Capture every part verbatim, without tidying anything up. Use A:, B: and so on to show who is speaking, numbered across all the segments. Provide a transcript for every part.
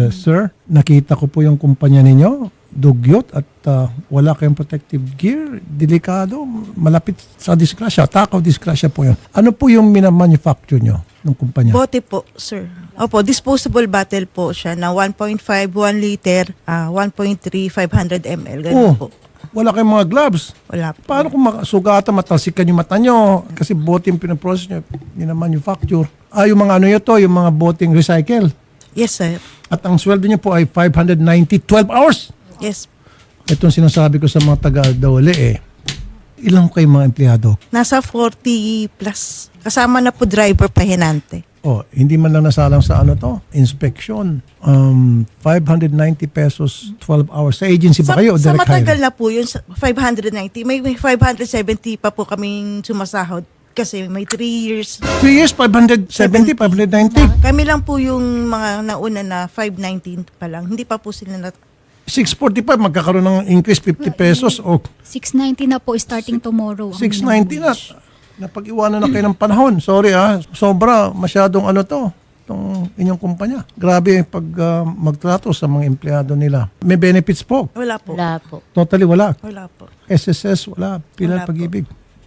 A: Eh, sir, nakita ko po yung kumpanya ninyo, dugyot at ah, wala kayong protective gear, delikado, malapit sa disgrasya, takaw disgrasya po yun. Ano po yung minamanufacture nyo ng kumpanya?
B: Bote po, sir. Opo, disposable bottle po siya na one point five, one liter, ah, one point three, five hundred milliliters. Ganun
A: Oh,
B: po.
A: wala kayong mga gloves.
B: Wala po.
A: Paano kung makasugatan, matalsikan yung mata nyo? Kasi bote yung pinaprocess nyo, minamanufacture. Ah, yung mga ano yun to, yung mga boteng recycle.
B: Yes, sir.
A: At ang sweldo nyo po ay five hundred ninety, twelve hours.
B: Yes.
A: Itong sinasabi ko sa mga taga-Dole eh, ilang kayo mga empleyado?
B: Nasa forty plus. Kasama na po driver pahinante.
A: Oh, hindi man lang nasalang sa ano to, inspection. Um, five hundred ninety pesos, twelve hours. Sa agency ba
B: Sa,
A: kayo o
B: sa
A: direct
B: matagal
A: hire?
B: na po yun, sa five hundred ninety. May, may five hundred seventy pa po kaming sumasahod. Kasi may three years.
A: Three years, five hundred seventy, five hundred ninety.
B: Kami lang po yung mga nauna na five nineteen pa lang. Hindi pa po sila na...
A: six forty-five, magkakaroon ng increase fifty pesos o
C: six ninety na po starting tomorrow. ang
A: six
C: minimum
A: ninety na.
C: wage.
A: Napag-iwanan na kayo ng panahon. Sorry ah, sobra, masyadong ano to, itong inyong kumpanya. Grabe pag ah, magtrato sa mga empleyado nila. May benefits po.
B: Wala po.
D: Wala po.
A: Totally wala.
B: Wala po.
A: S S S, wala. Pilar
B: Wala po.
A: pag-ibig.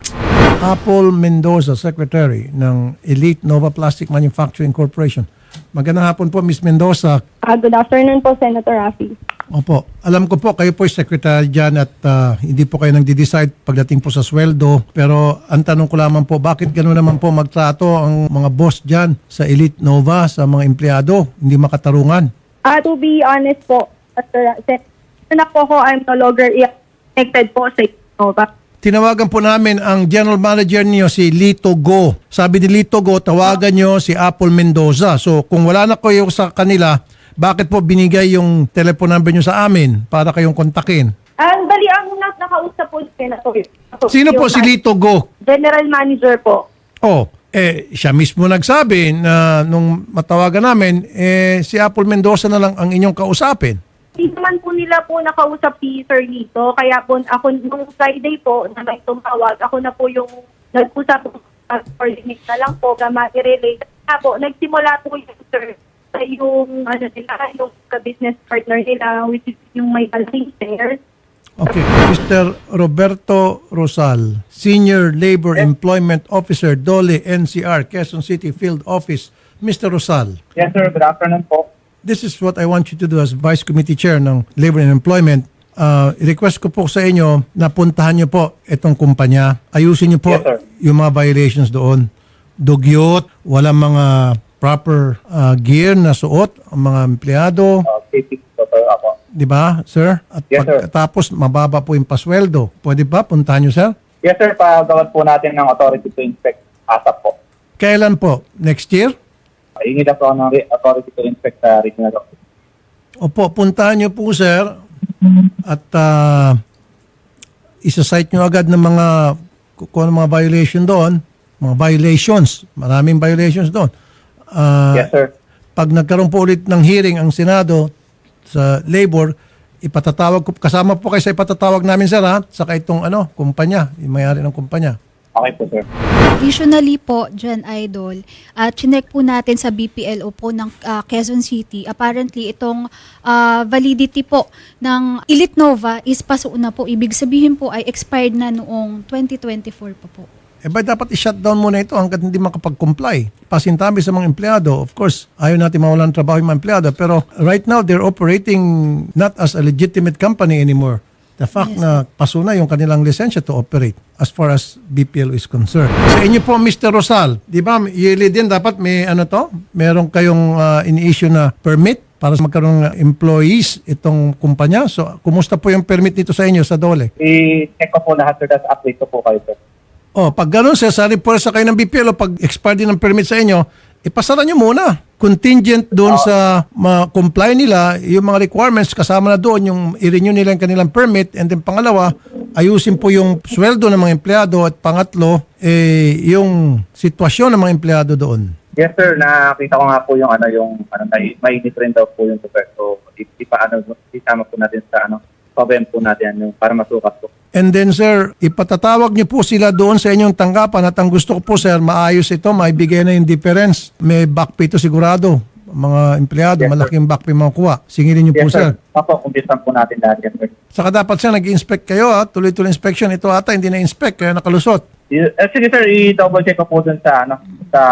A: Apple Mendoza, Secretary ng Elite Nova Plastic Manufacturing Corporation. Magandang hapon po, Miz Mendoza.
E: Ah, good afternoon po, Senator Rafi.
A: Opo, alam ko po, kayo po ay secretary dyan at ah, hindi po kayo nagde-decide pagdating po sa sweldo. Pero ang tanong ko lamang po, bakit gano'n naman po magtrato ang mga boss dyan sa Elite Nova, sa mga empleyado, hindi makatarungan?
E: Ah, to be honest po, Senator, na po ako, I'm no longer connected po sa Innova.
A: Tinawagan po namin ang general manager niyo si Lito Go. Sabi ni Lito Go, tawagan niyo si Apple Mendoza. So kung wala na kayo sa kanila, bakit po binigay yung telephone number niyo sa amin para kayong kontakin?
E: Ang bali, ang nas nakausap po, Senator.
A: Sino po
E: Yung
A: si Lito Go?
E: General Manager po.
A: Oh, eh siya mismo nagsabi na nung matawagan namin, eh si Apple Mendoza na lang ang inyong kausapin.
E: Hindi naman po nila po nakausap si Sir Lito. Kaya po, ako nung Friday po, na may tumawag, ako na po yung nag-usap coordinate na lang po, gama i-relate. Kaya po, nagsimula po yung Sir sa yung, ano nila, yung ka-business partner nila, which is yung may malaking shares.
A: Okay. Mister Roberto Rosal, Senior Labor Employment Officer, Dole N C R, Quezon City Field Office. Mister Rosal,
F: Yes, sir. Good afternoon po.
A: this is what I want you to do as Vice Committee Chair ng Labor and Employment. Uh, request ko po sa inyo na puntahan niyo po itong kumpanya. Ayusin niyo po
F: Yes, sir.
A: yung mga violations doon. Dugyot, walang mga proper uh, gear na suot ang mga empleyado.
F: Uh, safety po, sir. Ako.
A: Di ba, sir? At
F: Yes, sir.
A: pagkatapos, mababa po yung pasweldo. Pwede ba? Puntahan niyo, sir?
F: Yes, sir. Pagawad po natin ng authority to inspect ASAP po.
A: Kailan po? Next year?
F: Hingi na po ako ng re- authority to inspect sa regional office.
A: Opo, puntahan niyo po, sir. At uh, isa-cite niyo agad ng mga kung ano mga violation doon. Mga violations. Maraming violations doon. Uh,
F: Yes, sir.
A: Pag nagkaroon po ulit ng hearing ang Senado sa labor, ipatatawag ko, kasama po kayo sa ipatatawag namin, sir, ha? Saka itong ano, kumpanya, yung mayari ng kumpanya.
F: Okay po, sir.
C: Additionally po, Jan Idol, at chinek po natin sa B P L O po ng ah, Quezon City, apparently itong ah, validity po ng Elite Nova is paso na po. Ibig sabihin po ay expired na noong twenty twenty-four pa po.
A: Eh ba dapat i-shutdown muna ito hanggat hindi makapag-comply? Pasintabi sa mga empleyado. Of course, ayaw natin mawalan ng trabaho yung mga empleyado. Pero right now, they're operating not as a legitimate company anymore. The fact
C: Yes,
A: na paso na yung kanilang lisensya to operate as far as B P L O is concerned. Sa inyo po, Mister Rosal, di ba, yearly din dapat may ano to? Meron kayong uh, ini-issue na permit para magkaroon ng employees itong kumpanya. So, kumusta po yung permit nito sa inyo sa Dole?
F: I-check ko po lahat, sir. Tapos update ko po kayo, sir.
A: Oh, pag gano'n sir, sa reporsa kayo ng B P L O, pag expired din ng permit sa inyo, ipasara nyo muna. Contingent doon sa ma-comply nila, yung mga requirements, kasama na doon yung i-renew nila yung kanilang permit. And then pangalawa, ayusin po yung sweldo ng mga empleyado. At pangatlo, eh, yung sitwasyon ng mga empleyado doon.
F: Yes, sir. Nakita ko nga po yung ano, yung ano, may, mainit rin daw po yung super. So, ipa ano, isama po natin sa ano, problem po natin yung para masukat po.
A: And then sir, ipatatawag niyo po sila doon sa inyong tanggapan at ang gusto ko po sir, maayos ito, maibigay na yung difference. May back pay to sigurado. mga empleyado,
F: Yes, sir.
A: malaking back pay makukuha. Singilin niyo po,
F: Yes,
A: sir.
F: sir. Opo, kumpisan po natin lahat yan, sir.
A: Saka dapat siya nag-inspect kayo, ha? Tuloy-tuloy inspection. Ito ata hindi na-inspect, kaya nakalusot.
F: Y- eh, sige, sir, i-double check ko po dun sa, ano, sa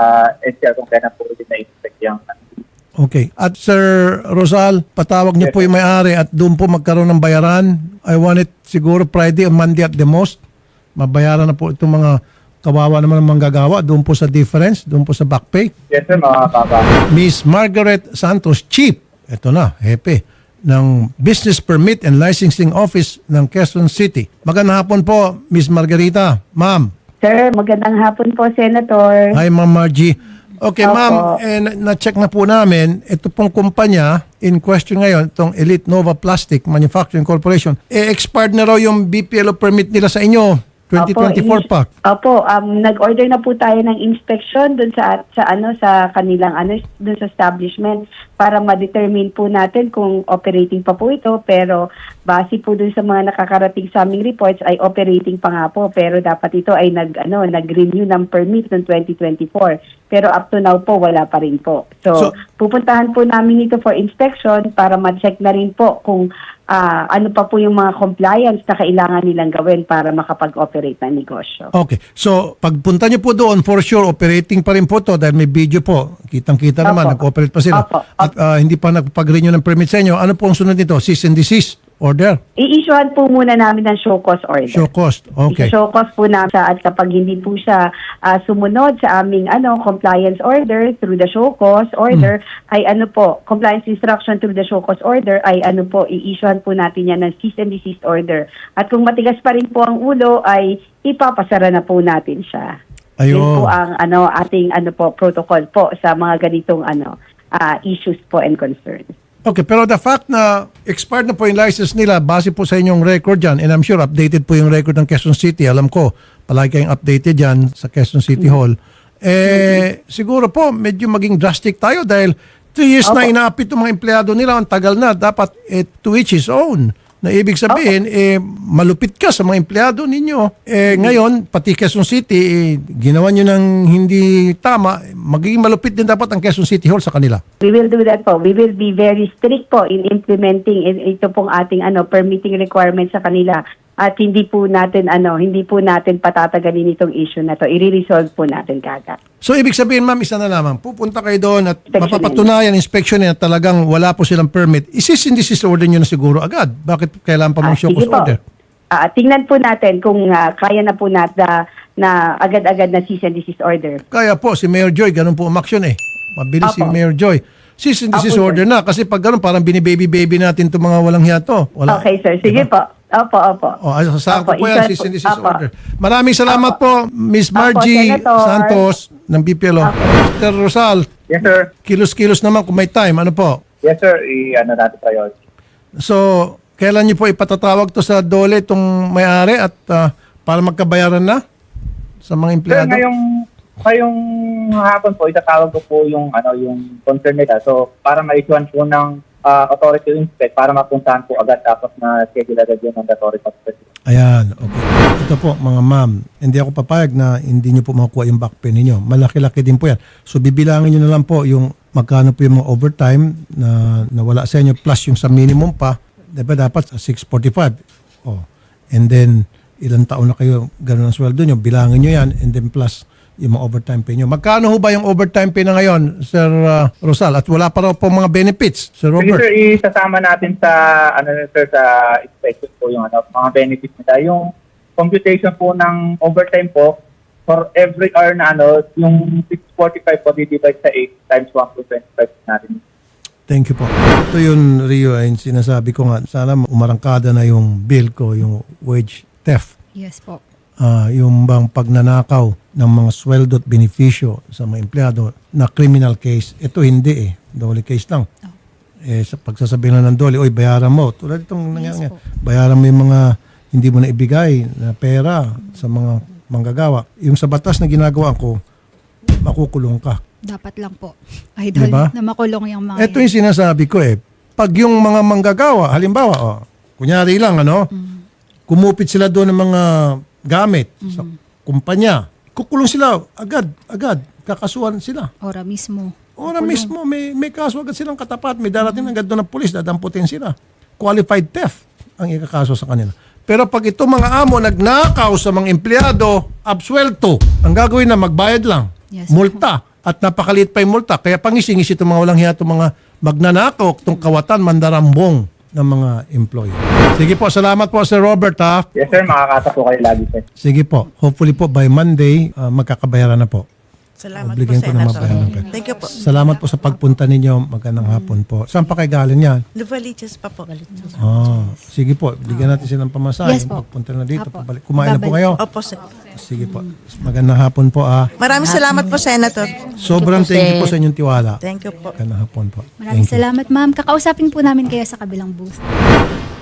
F: N C R kung kailan po rin na-inspect yung
A: Okay. At Sir Rosal, patawag niyo
F: Yes,
A: po yung may-ari at doon po magkaroon ng bayaran. I want it siguro Friday or Monday at the most. Mabayaran na po itong mga kawawa naman ng manggagawa doon po sa difference, doon po sa back pay.
F: Yes, sir, mga baba.
A: Miss Margaret Santos, Chief, ito na, hepe, ng Business Permit and Licensing Office ng Quezon City. Magandang hapon po, Miss Margarita. Ma'am.
D: Sir, magandang hapon po, Senator.
A: Hi, Ma'am Margie. Okay,
D: Opo.
A: ma'am, eh, na- na-check na po namin, ito pong kumpanya in question ngayon, itong Elite Nova Plastic Manufacturing Corporation, eh, expired na raw yung B P L O permit nila sa inyo, twenty twenty-four
D: Opo,
A: pa.
D: i- Opo, um, nag-order na po tayo ng inspection dun sa sa ano sa kanilang ano dun sa establishment para ma-determine po natin kung operating pa po ito, pero base po dun sa mga nakakarating sa aming reports ay operating pa nga po, pero dapat ito ay nag ano nag-renew ng permit noong twenty twenty-four. Pero up to now po wala pa rin po. So,
A: So-
D: pupuntahan po namin ito for inspection para ma-check na rin po kung ah, ano pa po yung mga compliance na kailangan nilang gawin para makapag-operate ng negosyo.
A: Okay, so pagpunta niyo po doon, for sure, operating pa rin po to dahil may video po. Kitang-kita naman,
D: Opo.
A: nag-operate pa sila.
D: Opo.
A: At ah, hindi pa nagpag-renew ng permit sa inyo. Ano po ang sunod nito? Cease and desist order?
D: I-issuehan po muna namin ng show cause order.
A: Show cost. Okay.
D: I-show cause po namin siya at kapag hindi po siya ah, sumunod sa aming ano compliance order through the show cause order ay ano po, compliance instruction through the show cause order ay ano po, i-issuehan po natin yan ng cease and desist order. At kung matigas pa rin po ang ulo ay ipapasara na po natin siya.
A: Ayun.
D: Yun po ang ano ating ano po protocol po sa mga ganitong ano ah, issues po and concerns.
A: Okay, pero the fact na expired na po yung license nila, base po sa inyong record dyan, and I'm sure updated po yung record ng Quezon City. Alam ko, palagi kayong updated dyan sa Quezon City Hall. Eh, siguro po, medyo maging drastic tayo dahil three years na
D: Opo.
A: inaapit yung mga empleyado nila. Ang tagal na. Dapat eh, to each his own. Na ibig sabihin, eh, malupit ka sa mga empleyado ninyo. Eh, ngayon, pati Quezon City, eh, ginawa nyo ng hindi tama. Magiging malupit din dapat ang Quezon City Hall sa kanila.
D: We will do that po. We will be very strict po in implementing i- ito pong ating ano permitting requirements sa kanila. At hindi po natin ano, hindi po natin patatagalin itong issue na to. I-resolve po natin kagad.
A: So, ibig sabihin, ma'am, isa na lamang. Pupunta kayo doon at
D: Inspection
A: mapapatunayan, inspection na talagang wala po silang permit. Isis hindi sis order nyo na siguro agad. Bakit kailangan pa
D: Ah,
A: mong show
D: sige
A: cause
D: po.
A: order?
D: Ah, tingnan po natin kung ah, kaya na po natin na, na agad-agad na cease and desist order.
A: Kaya po, si Mayor Joy, ganun po umaksyon eh. Mabilis si
D: Apo.
A: Mayor Joy. Cease and desist
D: Apo, sir.
A: order na. Kasi pag ganun, parang binibaby-baby natin itong mga walang hiya to. Wala.
D: Okay, sir. Sige
A: Diba?
D: po. Opo, opo.
A: O, ay, sasaan ko po
D: Opo,
A: yan,
D: isal
A: cease and
D: po.
A: desist
D: Opo.
A: order. Maraming salamat po, Miss
D: Opo,
A: Margie
D: Senator.
A: Santos ng B P L O. Mister Rosal,
F: Yes, sir.
A: kilos-kilos naman kung may time. Ano po?
F: Yes, sir. I-ano natin priority.
A: So, kailan niyo po ipatatawag to sa DOLE itong may-ari at ah, para magkabayaran na sa mga
F: Sir,
A: empleyado?
F: ngayong, ngayong hapon po, itatawag ko po yung, ano, yung concern nila. So, para ma-issuean po ng ah, authority to inspect para mapuntahan po agad tapos na schedule agad yung mandatory pag-inspect.
A: Ayan, okay. Ito po mga ma'am, hindi ako papayag na hindi niyo po makukuha yung back pay ninyo. Malaki-laki din po yan. So bibilangin niyo na lang po yung magkano po yung mga overtime na nawala sa inyo plus yung sa minimum pa. Diba dapat six forty-five. Oh. And then ilang taon na kayo ganun ang sweldo niyo, bilangin niyo yan and then plus yung mga overtime pay niyo. Magkano ho ba yung overtime pay na ngayon, Sir uh, Rosal? At wala pa raw po mga benefits, Sir
F: Sige,
A: Robert.
F: sir, isasama natin sa, ano, sir, sa inspection po yung, ano, mga benefits nila. Yung computation po ng overtime po, for every hour na, ano, yung six forty-five po, di-divide sa eight times one point two five natin.
A: Thank you po. Ito yung Rio ay sinasabi ko nga, sana umarangkada na yung bill ko, yung wage theft.
C: Yes po.
A: Ah, yung bang pagnanakaw ng mga sweldo at benepisyo sa mga empleyado na criminal case. Ito hindi eh. Dole case lang. Eh, sa pagsasabihin lang ng dole, oy, bayaran mo. Tulad itong nangyayari.
C: po.
A: Bayaran mo yung mga hindi mo na ibigay na pera sa mga manggagawa. Yung sa batas na ginagawa ko, makukulong ka.
C: Dapat lang po. Idol,
A: Diba?
C: na makulong yung mga
A: Ito
C: yan.
A: yung sinasabi ko eh. Pag yung mga manggagawa, halimbawa, oh, kunyari lang, ano, kumupit sila doon ng mga gamit sa kumpanya, kukulong sila agad, agad, kakasuhan sila.
C: Ora mismo.
A: Ora mismo, may, may kaso agad silang katapat. May darating agad doon ng pulis, dadamputin sila. Qualified theft ang ikakaso sa kanila. Pero pag ito mga amo nagnakaw sa mga empleyado, absuelto, ang gagawin na magbayad lang.
C: Yes,
A: Multa. At napakaliit pa yung multa. Kaya pangisingis itong mga walang hiya, itong mga magnanakaw, itong kawatan, mandarambong ng mga employee. Sige po, salamat po Sir Robert ha.
F: Yes sir, makakasa po kayo lagi sir.
A: Sige po. Hopefully po by Monday, ah, magkakabayaran na po.
B: Salamat
A: Obligyan
B: po,
A: ko na
B: Senator.
A: mabayaran kayo.
B: Thank you po.
A: Salamat po sa pagpunta ninyo. Magandang hapon po. Saan pa kayo galing yan?
B: Luvaliches pa po.
A: Ah, sige po. Bigyan natin silang pamasahe.
C: Yes po.
A: Pagpunta na dito.
C: Apo.
A: Pabalik. Kumain na po kayo.
B: Opo, sir.
A: Sige po. Magandang hapon po ah.
B: Maraming salamat po, Senator.
A: Sobrang thank you po sa inyong tiwala.
B: Thank you po.
A: Magandang hapon po.
C: Maraming
A: Thank you.
C: salamat, ma'am. Kakausapin po namin kayo sa kabilang booth.